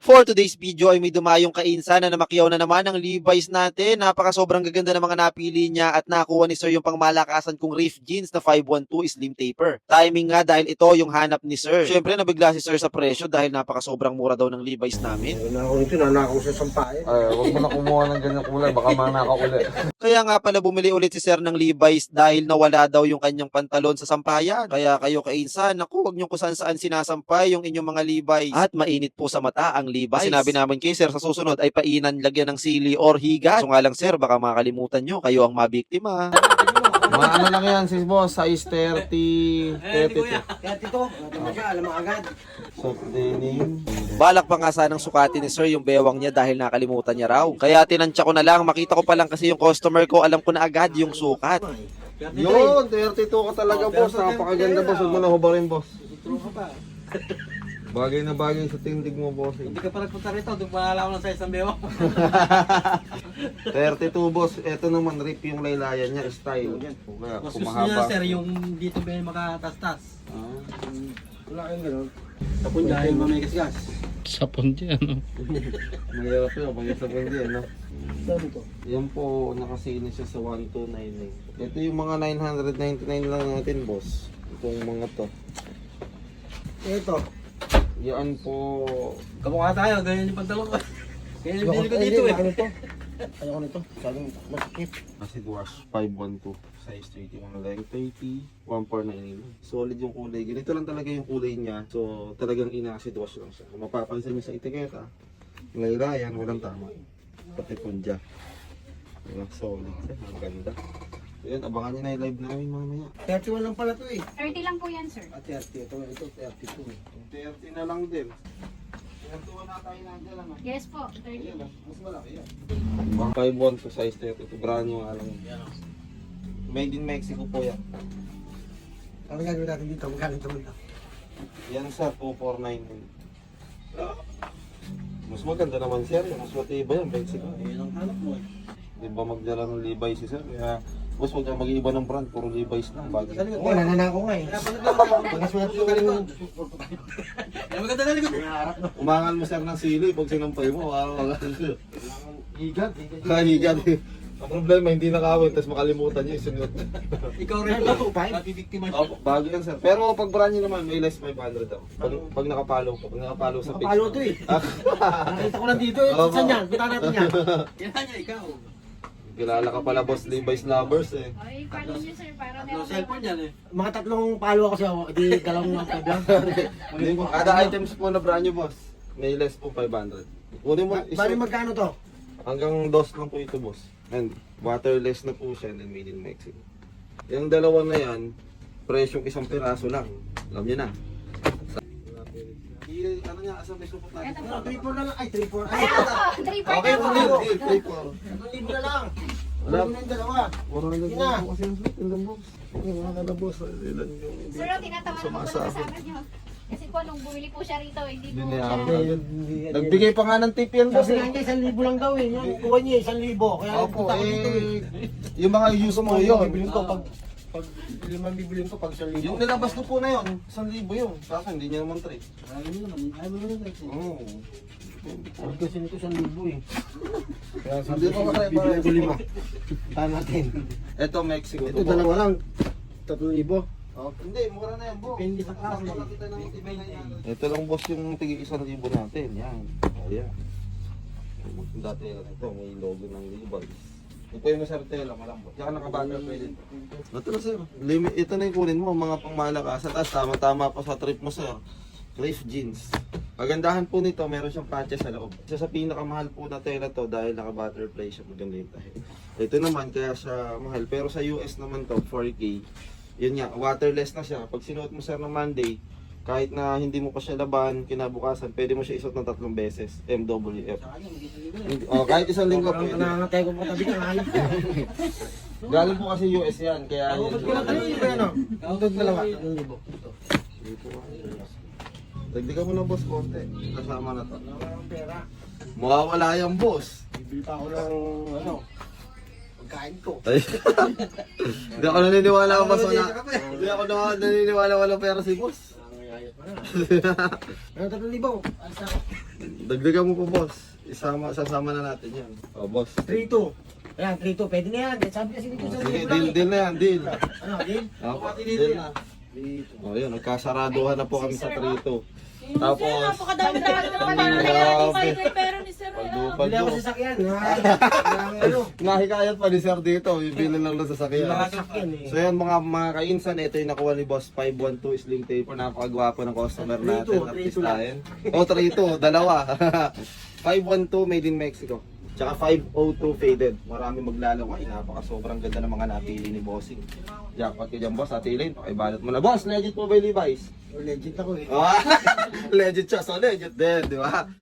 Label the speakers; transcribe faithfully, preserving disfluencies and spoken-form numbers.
Speaker 1: For today's video ay may dumayong kainsan na namakyaw na naman ang Levi's natin. Napaka sobrang gaganda ng mga napili niya at nakuha ni Sir yung pangmalakasan kong Reef Jeans na five one two Slim Taper. Timing nga dahil ito yung hanap ni Sir. Syempre nabigla si Sir sa presyo dahil napaka sobrang mura daw ng Levi's namin.
Speaker 2: Ayun ako nito, nanakaw sa sampain.
Speaker 3: Ay, wag mo na kumuha ng ganyang kulay, baka manaka uli.
Speaker 1: Kaya nga pala bumili ulit si Sir ng Levi's dahil nawala daw yung kanyang pantalon sa sampayan. Kaya kayo kainsan, naku, wag niyo kung saan saan sinasampay yung inyong mga Levi's. At mainit po sa mata ang Levi's. Sinabi namin kay Sir sa susunod ay painan lagyan ng sili or higa. So nga lang Sir, baka makalimutan nyo, kayo ang mabiktima.
Speaker 3: Mga ano lang yan, sis boss, size thirty, thirty-two.
Speaker 2: Kaya tito, natin mo siya, alam mo agad.
Speaker 3: Soft denim.
Speaker 1: Balak pa nga sanang sukatin ni Sir yung bewang niya dahil nakalimutan niya raw. Kaya tinansya ko na lang, makita ko pa lang kasi yung customer ko, alam ko na agad yung sukat.
Speaker 3: Yun, thirty-two ka talaga boss, napakaganda boss, huwag mo na hubarin boss. Bagay na bagay sa tindig mo boss.
Speaker 4: Hindi ka pa nagpunta rito, doon paalala ko ng size ng bewang.
Speaker 3: thirty-two boss, eto naman rip yung laylayan niya, style. Kaya
Speaker 4: Mas gusto
Speaker 3: kumahaba.
Speaker 4: niya sir, yung dito ba yung makatastas.
Speaker 3: Ah.
Speaker 2: Wala kayong gano'n.
Speaker 4: Tapos dahil mamay kasgas.
Speaker 5: Sapon dyan, no?
Speaker 3: Mahirap yun, pag isa pwede, no?
Speaker 2: Saan ito?
Speaker 3: Yan po, nakasini siya sa one two nine nine. Ito yung mga nine ninety-nine lang natin boss. Itong mga to.
Speaker 2: Ito.
Speaker 3: Yan po,
Speaker 4: Kamukha tayo, ganyan yung pantalon ko. Ganyan yung binili ko
Speaker 2: Ay,
Speaker 4: dito
Speaker 2: hindi,
Speaker 4: eh.
Speaker 2: Ano ito? Ayoko nito. Sabi masikip.
Speaker 3: acid wash five one two. Size thirty-one lang, thirty, one four nine. Solid yung kulay. Ganito lang talaga yung kulay niya. So, talagang ina-acid wash lang siya. Kung mapapansin niyo sa etiketa, laylayan, walang tama. Pati punja. Diba? Solid siya. Ang ganda. Yan, abangan niyo na yung live namin mamaya.
Speaker 2: thirty-one lang pala ito eh.
Speaker 6: thirty lang po yan, sir.
Speaker 2: Ah, thirty. Ito, ito, thirty-two.
Speaker 3: thirty na lang din. thirty-one na tayo nandiyan lang.
Speaker 6: Yes po, thirty.
Speaker 3: Ayan, mas malaki yan. five one two size thirty-two. Brand new nga lang. Made in Mexico po yan.
Speaker 2: Ano gagawin natin dito? Magkano ito mo ito?
Speaker 3: Yan sa two four nine. Mas maganda naman sir, mas matibay yan, Mexico.
Speaker 4: Ayun ang hanap mo eh.
Speaker 3: Di ba magdala ng Levi's si sir? Kaya, boss, huwag kang mag-iiba ng brand, puro Levi's lang. Bagay.
Speaker 2: Oo, nananakaw nga eh.
Speaker 4: Kaya pala naglalaro.
Speaker 2: Pagkaswerte ko galing yung...
Speaker 4: Kaya maganda na likod.
Speaker 3: Umangal mo sir ng sili pag sinampay mo. Wow.
Speaker 2: Higad.
Speaker 3: Kahigan. Ang problema, hindi nakawin, tapos makalimutan niyo yung sunod.
Speaker 4: Ikaw rin
Speaker 2: Ay,
Speaker 4: ba?
Speaker 2: bago, five?
Speaker 4: Mapibiktima siya.
Speaker 3: Opo, bago yan sir. Pero pag brand nyo naman, may less five hundred daw. Pag, pag nakapalo ko, pag nakapalo sa page.
Speaker 2: Nakapalo ito eh. Nakita ko lang dito eh.
Speaker 3: Opo.
Speaker 2: Saan yan? Kita natin yan.
Speaker 4: Yan niya, ikaw.
Speaker 3: Kilala ka pala boss Levi's lovers eh.
Speaker 6: Ay, follow nyo, sir, para
Speaker 4: Tatlo
Speaker 6: meron
Speaker 4: cellphone yan eh.
Speaker 2: Mga tatlong palo ako siya. Di dalawang mga kablang.
Speaker 3: Hindi po, kada items po na brand nyo boss, may less po five hundred. Kunin mo,
Speaker 2: Bali
Speaker 3: iso,
Speaker 2: magkano to?
Speaker 3: hanggang dos lang po ito boss. And waterless na po siya and made in Mexico. Yung dalawa na yan, presyong isang piraso lang. Alam niyo na. I- ano niya, asa may supot natin?
Speaker 6: Ito po.
Speaker 2: Ano, three four na lang. Ay, three four. Ay,
Speaker 6: Ay, ako po, three part
Speaker 3: Okay,
Speaker 6: na po.
Speaker 3: deal, deal, three four.
Speaker 2: Ang libo na lang.
Speaker 3: Wala.
Speaker 2: Wala na yung dalawa.
Speaker 3: Wala na
Speaker 2: Yun na.
Speaker 3: lang kasi yung slot, ilan boss? Wala na boss, ilan yung hindi.
Speaker 6: Sir, tinatawanan ko po na kasama nyo. Kasi po, nung bumili po siya rito, hindi po
Speaker 3: Hindi
Speaker 6: siya...
Speaker 3: niya Nagbigay pa nga ng tip yan boss
Speaker 2: Kasi
Speaker 3: eh.
Speaker 2: nga niya, isang libo lang daw eh. Yung kuha niya, isang libo. Kaya
Speaker 3: Opo,
Speaker 2: punta ko dito eh.
Speaker 3: eh, yung mga use mo
Speaker 2: Mga
Speaker 3: yun.
Speaker 2: bibilin ko pag pag limang bibilin ko pag isang libo.
Speaker 3: Yung nilabas ko po na yun, isang libo yun. Sa akin, hindi niya naman trade.
Speaker 4: Ayaw mo naman, ayaw mo naman.
Speaker 3: Oo.
Speaker 2: Sabi kasi nito isang libo eh. Kaya
Speaker 3: Hindi pa masaya pa
Speaker 2: bibilin
Speaker 3: rin.
Speaker 2: ko lima. Tahan natin.
Speaker 3: Ito Mexico.
Speaker 2: Ito dalawa lang. Tatlong libo.
Speaker 3: Oh, hindi, mura na yan boss.
Speaker 2: Depende sa klase.
Speaker 3: Basta makita ng tibay na yan. Ito lang boss yung tigil isang libo natin. Yan. Ayan. Dati lang ito, may logo ng Levi's. Ito yung masarap tela, malambot. Tsaka nakabaga pwede. Ito na sir. Limit, ito na yung kunin mo, mga pangmalakasan. Tapos tama-tama pa sa trip mo sir. Reef jeans. Kagandahan po nito, meron siyang patches sa loob. Isa sa pinakamahal po na tela to dahil naka-butterfly siya. Maganda yung tahi. Ito naman, kaya siya mahal. Pero sa U S naman to, four K. Yun nga, waterless na siya. Pag sinuot mo sir ng Monday, kahit na hindi mo pa siya laban, kinabukasan, pwede mo siya isuot ng tatlong beses. M W F. Hindi- Oh, kahit isang linggo
Speaker 2: Ang
Speaker 3: pwede.
Speaker 2: nangangatay ko pa tabi ka. Ayos ka.
Speaker 3: Galing po kasi U S yan, kaya yun.
Speaker 2: Ano yung libo yan o? Ito dalawa. Ang libo.
Speaker 3: Dito nga, U S. Dagdagan mo na boss konti. Kasama na to.
Speaker 2: Wala akong pera.
Speaker 3: Mawawala yan boss.
Speaker 2: Bibili pa ako ng ano. Pagkain ko.
Speaker 3: Ay. Hindi ako naniniwala ko boss. Wala. Hindi ako na- naniniwala wala pera si boss.
Speaker 2: Ang Ano, tatlong libo? Asa?
Speaker 3: Dagdagan mo po, boss. Isama, sasama na natin yan. Oh, boss.
Speaker 2: three two. Ayan, three two. Pwede na yan. Sabi kasi dito sa
Speaker 3: Sige,
Speaker 2: libo lang
Speaker 3: deal,
Speaker 2: eh.
Speaker 3: deal na yan, deal.
Speaker 2: Ano, deal?
Speaker 3: Oh, deal na. Oh, yun, nagkasaraduhan na po kami sa three two. Tapos,
Speaker 6: Napakadami-dami naman.
Speaker 3: Grabe.
Speaker 6: Pero ni Sir,
Speaker 3: pagdupad
Speaker 2: Bili ako
Speaker 3: mo.
Speaker 2: sa sakyan. Ng ano?
Speaker 3: Nahikayat pa ni Sir dito, bibili lang lang sa sakyan.
Speaker 2: Mga sakyan eh.
Speaker 3: So yan mga mga kainsan, ito yung nakuha ni Boss five one two Slim Taper. Napakagwapo ng customer natin.
Speaker 2: three two, three two lang.
Speaker 3: Artistahin. Oh, three two, dalawa. five one two made in Mexico. Tsaka five oh two faded. Marami maglalaro. Ay, napaka sobrang ganda ng mga napili ni Bossing. Jackpot ka dyan, boss. Atilin, pakibalot mo na. Boss, legit po ba yung Levi's?
Speaker 2: Oh, legit ako eh.
Speaker 3: Oh, legit siya. So legit din, di ba?